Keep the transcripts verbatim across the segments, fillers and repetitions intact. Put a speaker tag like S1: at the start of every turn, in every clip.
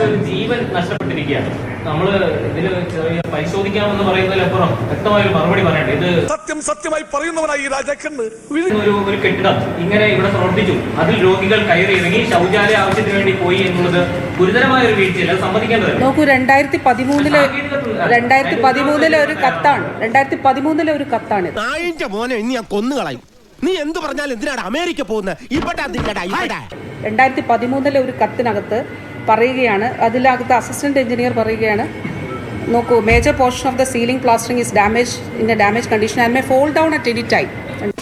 S1: ഒരു ജീവൻ നഷ്ടപ്പെട്ടിരിക്കുകയാണ്. നമ്മള് ഇതില് ചെറിയ പരിശോധിക്കാമെന്ന് പറയുന്നതിലപ്പുറം വ്യക്തമായ ഒരു മറുപടി പറയണ്ടേ? ഇത്
S2: സത്യം സത്യമായി പറയുന്നവനായി ഈ രാജാക്കന്ന്
S1: ഒരു ഒരു കെട്ടിടം ഇങ്ങനെ ഇവിടെ പ്രവർത്തിച്ചു, അതിൽ രോഗികൾ കയറി ഇറങ്ങി ശൗചാലയ ആവശ്യത്തിന് വേണ്ടി പോയി എന്നുള്ളത് ഗുരുതരമായ ഒരു വീഴ്ചയല്ല, സമ്മതിക്കേണ്ടതല്ല.
S3: നോക്കൂ, രണ്ടായിരത്തി പതിമൂന്നിലെ രണ്ടായിരത്തി പതിമൂന്നിലെ ഒരു കത്താണ് രണ്ടായിരത്തി പതിമൂന്നിലെ ഒരു കത്താണ്
S4: മോനെ ഇനി ഞാൻ കൊന്നുകളയും. നീ എന്ത് പറഞ്ഞാലും എന്തിനാണ് അമേരിക്ക പോകുന്നത്?
S3: രണ്ടായിരത്തി പതിമൂന്നിലെ ഒരു കത്തിനകത്ത് പറയുകയാണ്, അതിനകത്ത് അസിസ്റ്റന്റ് എഞ്ചിനീയർ പറയുകയാണ്, നോക്കൂ, major portion of the ceiling plastering is damage in a damage condition and may fall down at any time.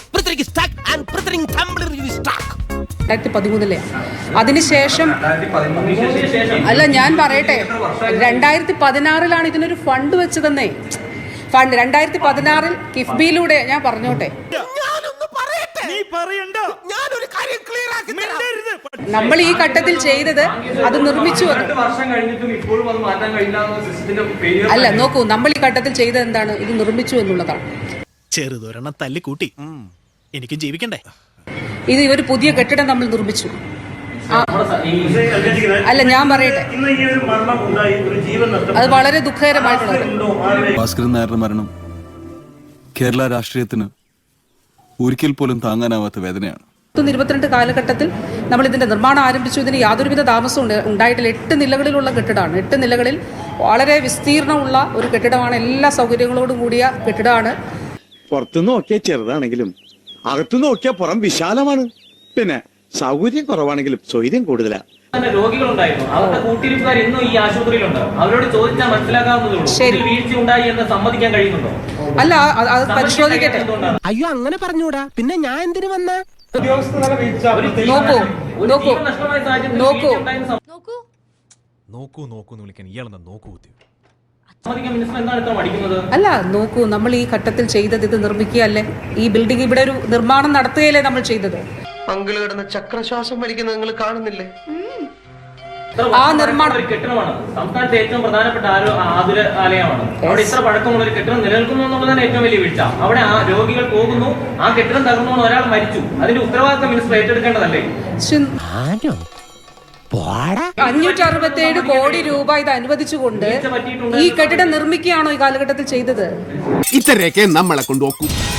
S3: രണ്ടായിരത്തി പതിമൂന്നിലെ അതിനുശേഷം അല്ല, ഞാൻ പറയട്ടെ, രണ്ടായിരത്തി പതിനാറിലാണ് ഇതിനൊരു ഫണ്ട് വെച്ചതെന്നേ. ഫണ്ട് രണ്ടായിരത്തി പതിനാറിൽ കിഫ്ബിയിലൂടെ, ഞാൻ പറഞ്ഞോട്ടെ, നമ്മൾ ഈ ഘട്ടത്തിൽ ചെയ്തത് അത് നിർമ്മിച്ചു അല്ല, നോക്കൂ, നമ്മൾ ഈ ഘട്ടത്തിൽ ചെയ്തത് എന്താണ്? ഇത് നിർമ്മിച്ചു എന്നുള്ളതാണ്.
S5: ചെറുതൊരെണ്ണം തല്ലിക്കൂട്ടി എനിക്കും ജീവിക്കണ്ടേ?
S3: ഇത് ഒരു പുതിയ കെട്ടിടം നമ്മൾ നിർമ്മിച്ചു. അല്ല, ഞാൻ പറയട്ടെ, അത് വളരെ ദുഃഖകരമായിട്ടുള്ളത്.
S6: ഭാസ്കരൻ നായരുടെ മരണം കേരള രാഷ്ട്രീയത്തിന് ഒരിക്കൽ പോലും താങ്ങാനാവാത്ത വേദനയാണ്.
S3: ഇരുപത്തിരണ്ട് കാലഘട്ടത്തിൽ നമ്മൾ ഇതിന്റെ നിർമ്മാണം ആരംഭിച്ചു. ഇതിന് യാതൊരുവിധ താമസവും ഉണ്ടായിട്ടില്ല. എട്ട് നിലകളിലുള്ള കെട്ടിടമാണ്. എട്ട് നിലകളിൽ വളരെ വിസ്തീർണമുള്ള ഒരു കെട്ടിടമാണ്. എല്ലാ സൗകര്യങ്ങളോടും കൂടിയ കെട്ടിടമാണ്.
S7: പുറത്തുനിന്ന് നോക്കിയാൽ ചെറുതാണെങ്കിലും അകത്തുനിന്ന് നോക്കിയാൽ പുറം വിശാലമാണ്. പിന്നെ സൗകര്യം കുറവാണെങ്കിലും സ്വൈര്യം കൂടുതലാ.
S1: രോഗികളുണ്ടായിരുന്നു, അവരുടെ കൂട്ടിരിപ്പുകാർ ഇന്നും ഈ ആശുപത്രിയിലുണ്ട്. അവരോട് ചോദിച്ചാൽ മനസ്സിലാക്കാവുന്നതേ ഉള്ളൂ. വീഴ്ച ഉണ്ടായി എന്ന് സമ്മതിക്കാൻ കഴിയുന്നുണ്ടോ?
S3: അല്ല, അത് പരിശോധിക്കട്ടെ.
S4: അയ്യോ, അങ്ങനെ പറഞ്ഞൂടാ. പിന്നെ ഞാൻ എന്തിനു വന്ന?
S3: നോക്കൂ നോക്കൂ നോക്കൂ
S5: നോക്കൂ നോക്കൂ എന്ന് വിളിക്കാൻ ഇയാളെന്താ നോക്കൂ?
S3: അല്ല, നോക്കൂ, നമ്മൾ ഈ ഘട്ടത്തിൽ ചെയ്തത് ഇത് നിർമ്മിക്കുകയല്ലേ? ഈ ബിൽഡിംഗ്, ഇവിടെ ഒരു നിർമ്മാണം നടത്തുകയല്ലേ നമ്മൾ ചെയ്തത്?
S8: അങ്കിള് കിടന്ന് ചക്രശ്വാസം വലിക്കുന്നത് നിങ്ങൾ കാണുന്നില്ലേ?
S3: ആ നിർമ്മാണം
S1: കെട്ടിടമാണ് സംസ്ഥാനത്തെ ഏറ്റവും പ്രധാനപ്പെട്ട ആതുര ആലയമാണ്. അവിടെ ഇത്ര പഴക്കമുള്ള ഒരു കെട്ടിടം നിലനിൽക്കുന്നു എന്നുള്ളതാണ് ഏറ്റവും വലിയ വീഴ്ച. അവിടെ ആ രോഗികൾ പോകുന്നു, ആ കെട്ടിടം തകർന്നു, ഒരാൾ മരിച്ചു. അതിന്റെ ഉത്തരവാദിത്തം മിനിസ്റ്റർ ഏറ്റെടുക്കേണ്ടതല്ലേ?
S3: അഞ്ഞൂറ്റി അറുപത്തി ഏഴ് കോടി രൂപ ഇത് അനുവദിച്ചുകൊണ്ട് ഈ കെട്ടിടം നിർമ്മിക്കുകയാണോ ഈ കാലഘട്ടത്തിൽ ചെയ്തത്?
S4: ഇത്രയൊക്കെ നമ്മളെ കൊണ്ടുപോക്കൂ.